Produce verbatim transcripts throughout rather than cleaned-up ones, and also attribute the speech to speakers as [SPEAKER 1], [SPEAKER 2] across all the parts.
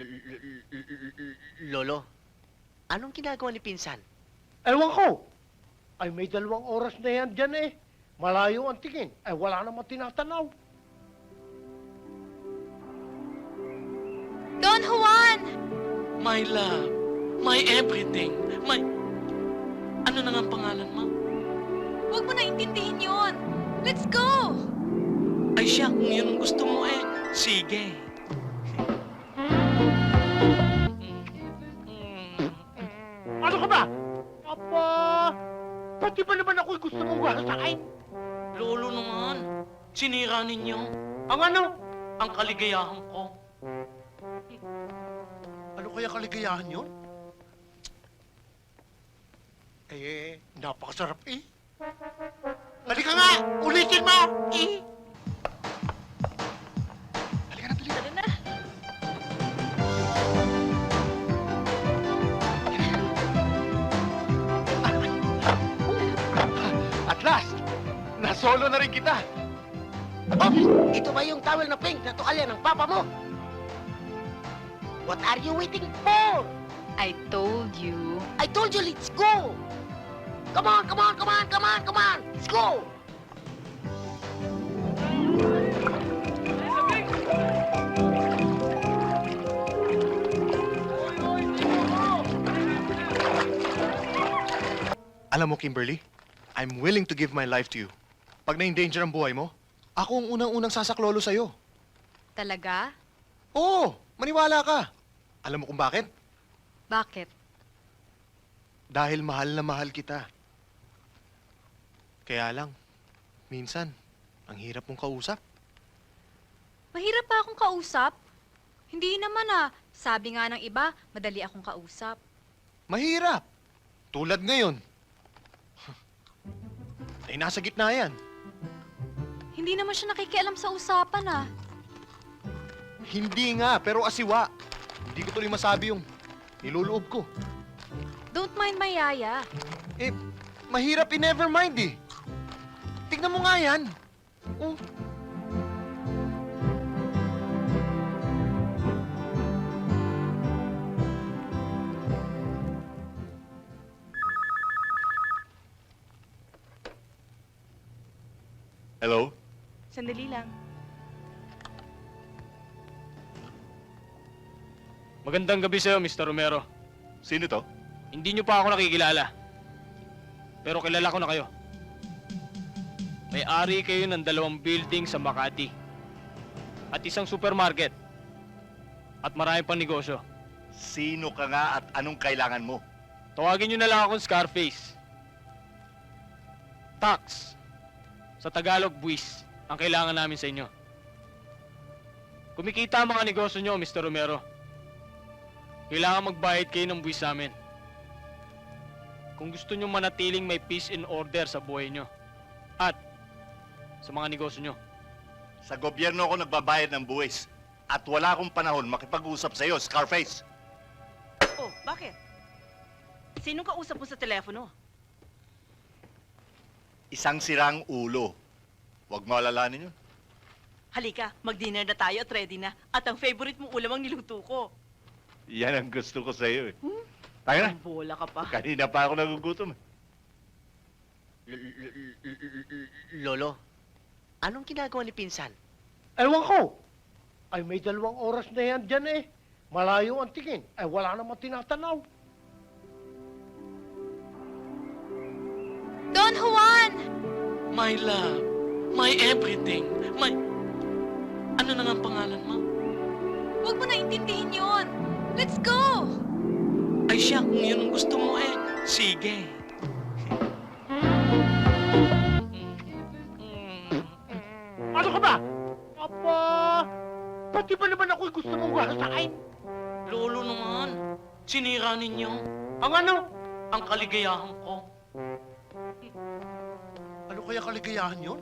[SPEAKER 1] Lolo, anong ginagawa ni Pinsan?
[SPEAKER 2] Ewan ko. Ay, may dalawang oras na yan dyan eh. Malayo ang tingin. Ay, wala namang tinatanaw.
[SPEAKER 3] Don Juan!
[SPEAKER 4] My love, my everything, my... Ano na nga ang pangalan mo?
[SPEAKER 3] Huwag mo na intindihin yun. Let's go!
[SPEAKER 4] Ay siya, kung yun ang gusto mo eh. Sige.
[SPEAKER 2] Ano ka ba? Aba, pati ba naman ako'y gusto mong gahasain?
[SPEAKER 4] Lolo naman, sinira ninyo
[SPEAKER 2] Ang ano?
[SPEAKER 4] ang kaligayahan ko.
[SPEAKER 2] Ano kaya kaligayahan yun? Eh, napakasarap eh. Halika nga! Ulitin mo! Eh! Halika na, dali.
[SPEAKER 3] Tara na.
[SPEAKER 2] At last, nasolo na rin kita.
[SPEAKER 1] Oh, ito ba yung towel na pink na tukalya ng papa mo? What are you waiting for?
[SPEAKER 3] I told you.
[SPEAKER 1] I told you, let's go! Come on, come on, come on, come on, come on! Let's go!
[SPEAKER 5] Alam mo, Kimberly, I'm willing to give my life to you. Pag na-endanger ang buhay mo, ako ang unang-unang sasaklolo sa'yo.
[SPEAKER 3] Talaga?
[SPEAKER 5] Oo, maniwala ka. Alam mo kung bakit?
[SPEAKER 3] Bakit?
[SPEAKER 5] Dahil mahal na mahal kita. Kaya lang, minsan, ang hirap mong kausap.
[SPEAKER 3] Mahirap pa akong kausap? Hindi naman ah. Sabi nga ng iba, madali akong kausap.
[SPEAKER 5] Mahirap. Tulad ngayon. Ay, nasa gitna yan.
[SPEAKER 3] Hindi naman siya nakikialam sa usapan ah.
[SPEAKER 5] Hindi nga, pero asiwa. Hindi ko tuloy masabi yung niluloob ko.
[SPEAKER 3] Don't mind my yaya.
[SPEAKER 5] Eh, mahirap i-never mind eh. Tignan mo nga yan. Oh.
[SPEAKER 6] Hello?
[SPEAKER 3] Sandali lang.
[SPEAKER 7] Magandang gabi sa'yo, Mister Romero.
[SPEAKER 6] Sino to?
[SPEAKER 7] Hindi niyo pa ako nakikilala. Pero kilala ko na kayo. May-ari kayo ng dalawang building sa Makati. At isang supermarket. At marami pang negosyo.
[SPEAKER 6] Sino ka nga at anong kailangan mo?
[SPEAKER 7] Tawagin niyo na lang akong Scarface. Tax. Sa Tagalog, buwis. Ang kailangan namin sa inyo. Kumikita ang mga negosyo niyo, Mister Romero. Kailangan magbayad kayo ng buwis sa amin. Kung gusto niyo manatiling may peace and order sa buhay niyo. At sa mga negosyo niyo.
[SPEAKER 6] Sa gobyerno ako nagbabayad ng buwis. At wala akong panahon makipag-usap sa'yo, Scarface.
[SPEAKER 8] Oh, bakit? Sinong kausap mo sa telepono?
[SPEAKER 6] Isang sirang ulo. Huwag mo alalahanin yun.
[SPEAKER 8] Halika, mag-dinner na tayo at ready na. At ang favorite mong ulam ang niluto ko.
[SPEAKER 6] Yan ang gusto ko sa'yo eh. Tayo na.
[SPEAKER 8] Ang bola ka pa.
[SPEAKER 6] Kanina pa ako nagugutom eh.
[SPEAKER 1] Lolo, anong ginagawa ni Pinsan?
[SPEAKER 2] Ewan ko. Ay, may dalawang oras na yan dyan eh. Malayo ang tingin. Ay, wala namang tinatanaw.
[SPEAKER 3] Don Juan!
[SPEAKER 4] My love, my everything, my... Ano na nga ang pangalan mo?
[SPEAKER 3] Huwag mo na intindihin yun. Let's go!
[SPEAKER 4] Ay siya, kung yun ang gusto mo eh. Sige.
[SPEAKER 2] Ano ka ba? Aba, pati ba naman ako'y gusto mong gahasain?
[SPEAKER 4] Lolo naman, sinira ninyo
[SPEAKER 2] Ang ano?
[SPEAKER 4] ang kaligayahan ko.
[SPEAKER 2] Ano kaya kaligayahan yun?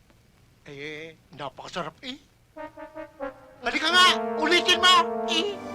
[SPEAKER 2] Eh, napakasarap eh. Halika nga! Ulitin mo! Eh!